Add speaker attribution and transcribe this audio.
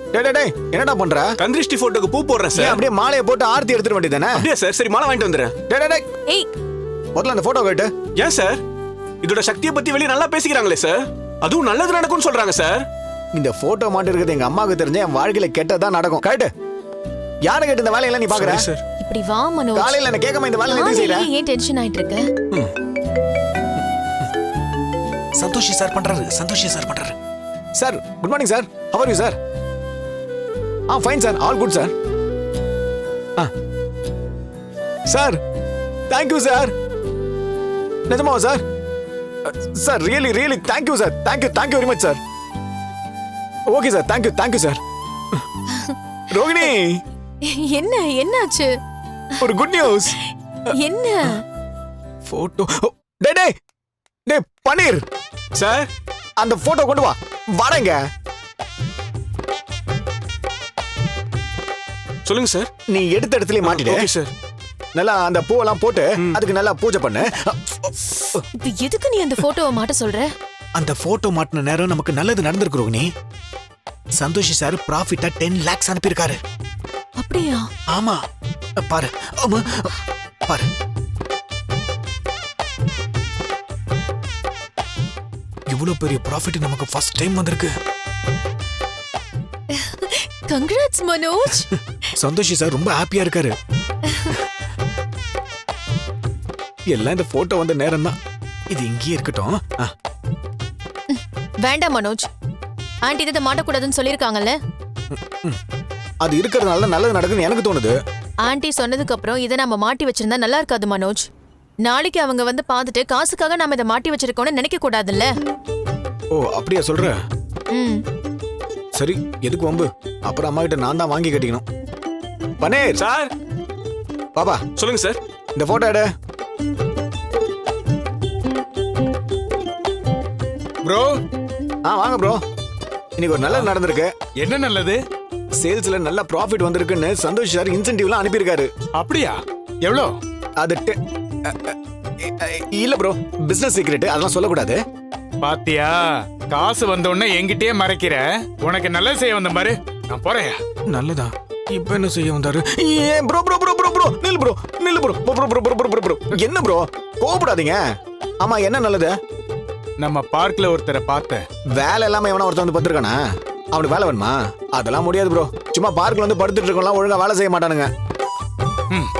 Speaker 1: டேய் என்னடா பண்ற?
Speaker 2: கந்திருஷ்டி போட்டோக்கு பூ போடுறேன்
Speaker 1: நீ
Speaker 2: சார்.
Speaker 1: அப்படியே மாலையை போட்டு ஆர்த்தி எடுத்துட வேண்டியதானே?
Speaker 2: அப்படியே சார். சரி மாலை வாங்கிட்டு வந்துடுறேன்.
Speaker 1: டேய்
Speaker 3: ஏய்
Speaker 1: முதல்ல அந்த போட்டோ கேட்டு.
Speaker 2: ஏன் சார்? இதோட சக்தியை பத்தி வெளியே நல்லா பேசிக்கிறாங்களே சார். அதுவும் நல்லது நடக்கும்னு சொல்றாங்க சார்.
Speaker 1: இந்த போட்டோ மாட்டி இருக்கிறது எங்க அம்மாவுக்கு தெரிஞ்ச என் வாழ்க்கையில கெட்டதான் நடக்கும். கேட்டு யாரை கேட்டு இந்த வேலையெல்லாம் நீ பாக்குற?
Speaker 2: சார்
Speaker 3: இப்படி வா மனோஜ்.
Speaker 1: காலையில என்ன கேட்காம இந்த வேலை எதுக்கு செய்யற?
Speaker 3: ஏன் டென்ஷன் ஆயிட்டு இருக்க?
Speaker 4: சந்தோஷி சார் பண்றாரு. சந்தோஷி சார் பண்றாரு.
Speaker 1: Sir good morning sir. How are you sir? Fine sir. All good sir. Sir thank you sir. நிஜமாவா sir? Sir really thank you sir. Thank you very much sir. Okay sir. Thank you sir. Rohini
Speaker 3: என்ன என்னாச்சு?
Speaker 1: ஒரு good news.
Speaker 3: என்ன?
Speaker 1: Photo. டேய் பன்னீர்
Speaker 2: sir
Speaker 1: அந்த photo கொண்டு வா. வரேங்க.
Speaker 2: சொல்லுங்க சார்.
Speaker 1: நீ எடுத்த இடத்துலயே மாட்டிடு.
Speaker 2: Okay sir.
Speaker 1: நல்லா அந்த பூவெல்லாம் போட்டு அதுக்கு நல்லா பூஜை பண்ணு.
Speaker 3: இப்ப எதுக்கு நீ அந்த போட்டோவை மாட்ட சொல்ற?
Speaker 4: அந்த போட்டோ மாட்டின நேரம் நமக்கு நல்லது நடந்திருக்கு ரோகிணி. சந்தோஷி சார் ப்ராஃபிட்டா 10 lakhs அனுப்பியிருக்காரு.
Speaker 3: அப்படியா?
Speaker 4: ஆமா பாரு. ஆமா பாரு. இவ்வளவு பெரிய ப்ராஃபிட் நமக்கு ஃபர்ஸ்ட் டைம் வந்திருக்கு.
Speaker 3: கங்க்ராட்ஸ் மனோஜ்.
Speaker 4: சந்தோஷி சார் ரொம்ப ஹாப்பியா இருக்காரு.
Speaker 1: எல்லாம் இந்த போட்டோ வந்த நேரம் தான்.
Speaker 4: இது இங்கேயே இருக்கட்டும்.
Speaker 3: வேண்டாம் மனோஜ். ஆண்டி இதை மாட்டக்கூடாதுன்னு சொல்லியிருக்காங்கல்ல.
Speaker 1: அது இருக்கிறதுனால தான் நல்லது நடக்குன்னு எனக்கு தோணுது.
Speaker 3: ஆண்டி சொன்னதுக்கு அப்புறம் இதை நம்ம மாட்டி வச்சிருந்தா நல்லா இருக்காது மனோஜ். நாளைக்கு அவங்க வந்து பார்த்துட்டு காசுக்காக நாம இதை மாட்டி வச்சிருக்கோம்னு நினைக்க கூடாதுல்ல.
Speaker 1: ஓ அப்படியா சொல்ற?
Speaker 3: ம்.
Speaker 1: சரி எதுக்கு வம்பு? அப்புறம் அம்மா கிட்ட நான் தான் வாங்கி கட்டிக்கணும். பன்னீர்
Speaker 2: சார்
Speaker 1: பாப்பா
Speaker 2: சொல்லுங்க சார்.
Speaker 1: இந்த போட்டோ எடு.
Speaker 5: ப்ரோ
Speaker 1: வாங்க ப்ரோ. இன்னைக்கு ஒரு நல்லது நடந்திருக்கு.
Speaker 5: என்ன நல்லது?
Speaker 1: சேல்ஸ்ல நல்ல ப்ராஃபிட் வந்திருக்குன்னு சந்தோஷ் சார் இன்சென்டிவ்லாம் அனுப்பியிருக்காரு.
Speaker 5: அப்படியா? எவ்வளோ?
Speaker 1: அது இல்ல ப்ரோ, பிசினஸ் சீக்ரெட், அதெல்லாம் சொல்லக்கூடாது.
Speaker 5: பாத்தியா, காசு வந்த உடனே என்கிட்டயே மறைக்கிற. உனக்கு நல்லது செய்ய வந்த பாரு. நான் போறேன்.
Speaker 1: நல்லதா? இப்ப என்ன செய்ய வந்தாரு? Bro bro bro bro bro நில்லு ப்ரோ நில்லு bro bro bro bro bro bro. என்ன ப்ரோ கோபப்படாதீங்க. ஆமா என்ன நல்லது?
Speaker 5: நம்ம பார்க்ல ஒருத்தரை பார்த்தேன்.
Speaker 1: வேலை இல்லாம எவனா ஒருத்தன் வந்து பத்திருக்கானா? அவனுக்கு வேலை வேணுமா? அதெல்லாம் முடியாது ப்ரோ. சும்மா பார்க்ல வந்து படுத்துட்டு இருக்கலாம், ஒழுங்கா வேலை செய்ய மாட்டானுங்க.